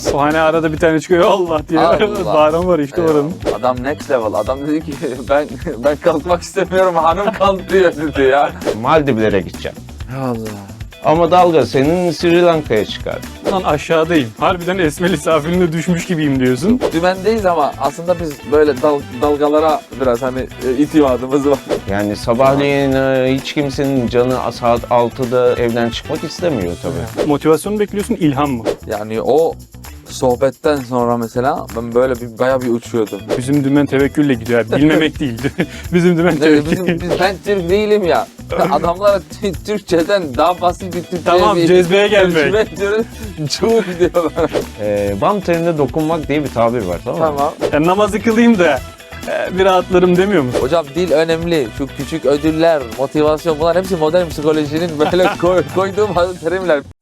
O hani arada bir tane çıkıyor Allah diye Allah. bağıran var işte oranın. Adam next level. Adam dedi ki ben kalkmak istemiyorum, hanım kaldırıyor dedi ya. Maldivlere gideceğim. Allah. Ama dalga senin Sri Lanka'ya çıkar. Lan aşağıdayım. Harbiden Esmeli safiline düşmüş gibiyim diyorsun. Dümendeyiz ama aslında biz böyle dalgalara biraz hani itimadımız var. Yani sabahleyin hiç kimsenin canı saat 6'da evden çıkmak istemiyor tabii. Motivasyon bekliyorsun, ilham mı? Yani o sohbetten sonra mesela ben böyle bayağı bir uçuyordum. Bizim dümen tevekkülle gidiyor. Yani bilmemek değildi. Bizim dümen tevekkül. Ben Türk değilim ya. Adamlar Türkçeden daha basit bir Türkçe Tamam, cezbeye gelmek. Çok diyorlar. Bam teline dokunmak diye bir tabir var, tamam mı? Tamam. Yani namazı kılayım da bir rahatlarım demiyor musun? Hocam dil önemli. Şu küçük ödüller, motivasyon, bunlar hepsi modern psikolojinin böyle koyduğum terimler.